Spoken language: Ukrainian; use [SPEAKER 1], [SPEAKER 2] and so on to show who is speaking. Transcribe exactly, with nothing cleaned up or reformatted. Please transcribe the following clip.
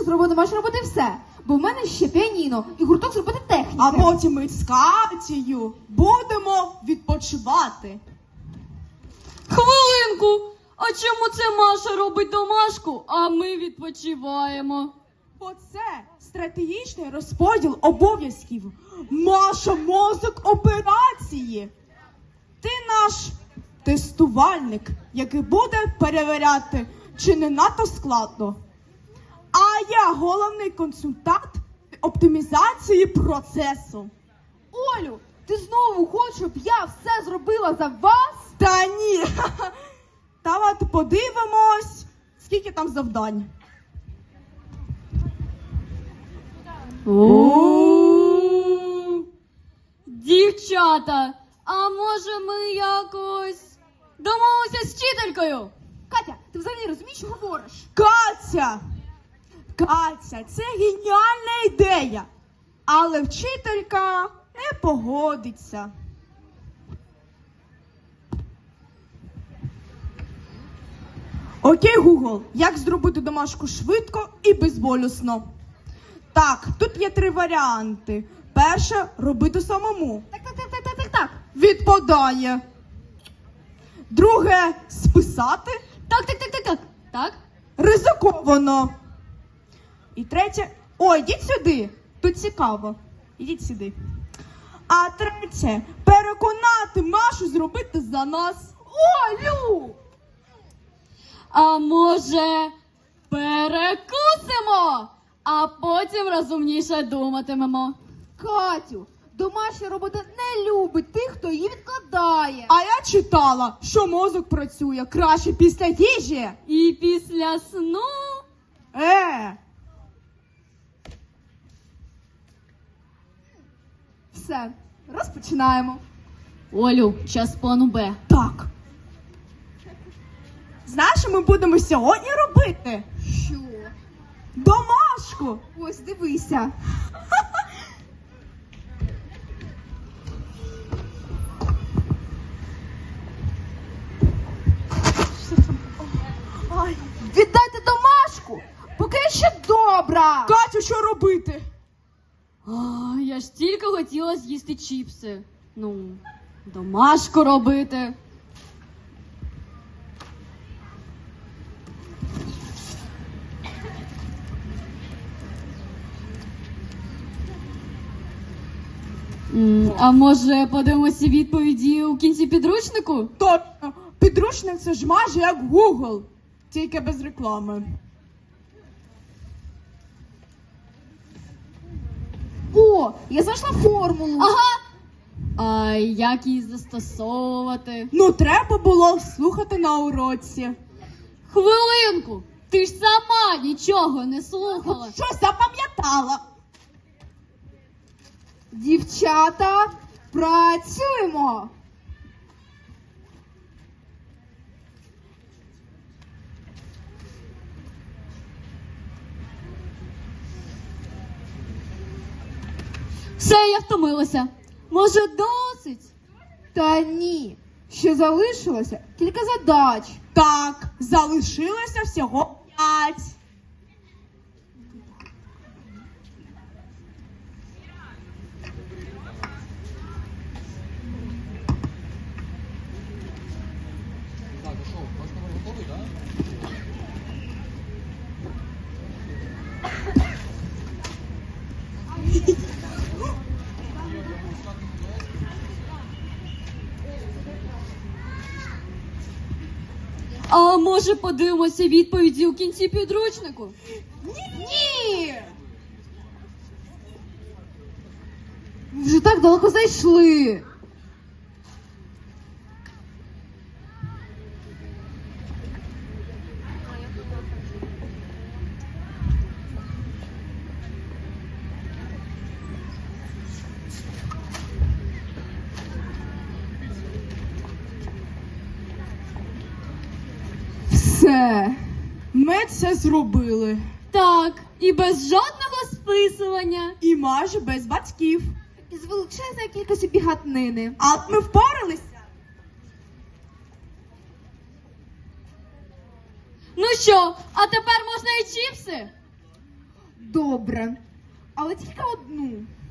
[SPEAKER 1] Маша зробила домашню роботу і все. Бо в мене ще піаніно і гурток зробити техніки.
[SPEAKER 2] А потім ми з Катєю будемо відпочивати.
[SPEAKER 3] Хвилинку! А чому це Маша робить домашку, а ми відпочиваємо?
[SPEAKER 2] Бо це стратегічний розподіл обов'язків. Маша мозок операції. Ти наш тестувальник, який буде перевіряти, чи не надто складно. А я головний консультант оптимізації процесу.
[SPEAKER 1] Олю, ти знову хочеш, щоб я все зробила за вас?
[SPEAKER 2] Та ні. Давайте подивимось, скільки там завдань.
[SPEAKER 3] О-о-о! Дівчата, а може ми якось домовимося з вчителькою?
[SPEAKER 1] Катя, ти взагалі розумієш, що говориш?
[SPEAKER 2] Катя! Катя, це геніальна ідея. Але вчителька не погодиться. Окей, Google, як зробити домашку швидко і безболісно? Так, тут є три варіанти. Перше – робити самому.
[SPEAKER 1] Так, так, так, так, так, так, так.
[SPEAKER 2] Відпадає. Друге – списати.
[SPEAKER 3] Так, так, так, так, так. Так?
[SPEAKER 2] Ризиковано. І третє. Ой, йдіть сюди. Тут цікаво. Ідіть сюди. А третє. Переконати Машу зробити за нас. Олю!
[SPEAKER 3] А може перекусимо, а потім розумніше думатимемо.
[SPEAKER 1] Катю, домашня робота не любить тих, хто її відкладає.
[SPEAKER 2] А я читала, що мозок працює краще після їжі.
[SPEAKER 3] І після сну...
[SPEAKER 2] Е,
[SPEAKER 1] Все, розпочинаємо.
[SPEAKER 3] Олю, час плану Б.
[SPEAKER 2] так. Знаєш, що ми будемо сьогодні робити?
[SPEAKER 1] Що?
[SPEAKER 2] Домашку.
[SPEAKER 1] Ось, дивися.
[SPEAKER 2] Ай.
[SPEAKER 1] Віддайте домашку, поки я ще добра.
[SPEAKER 2] Катю, що робити?
[SPEAKER 3] А, я ж тільки хотіла з'їсти чіпси. Ну, домашку робити. М, А може подивимося відповіді у кінці підручнику?
[SPEAKER 2] Точно, підручник це ж майже як Google, тільки без реклами.
[SPEAKER 1] О, я знайшла формулу.
[SPEAKER 3] Ага. А як її застосовувати?
[SPEAKER 2] Ну, треба було слухати на уроці.
[SPEAKER 3] Хвилинку! Ти ж сама нічого не слухала.
[SPEAKER 2] Щось запам'ятала.
[SPEAKER 1] Дівчата, працюємо.
[SPEAKER 3] Все, я втомилася. Може, досить?
[SPEAKER 1] Та ні, ще залишилося кілька задач.
[SPEAKER 2] Так, залишилося всього п'ять.
[SPEAKER 3] А може подивимося відповіді у кінці підручнику?
[SPEAKER 1] Ні! Ми вже так далеко зайшли.
[SPEAKER 2] Все, ми це зробили.
[SPEAKER 3] Так, і без жодного списування.
[SPEAKER 2] І майже без батьків.
[SPEAKER 1] Із величезною кількістю бігатнини.
[SPEAKER 2] А от ми впоралися.
[SPEAKER 3] Ну що, а тепер можна і чіпси?
[SPEAKER 1] Добре. Але тільки одну.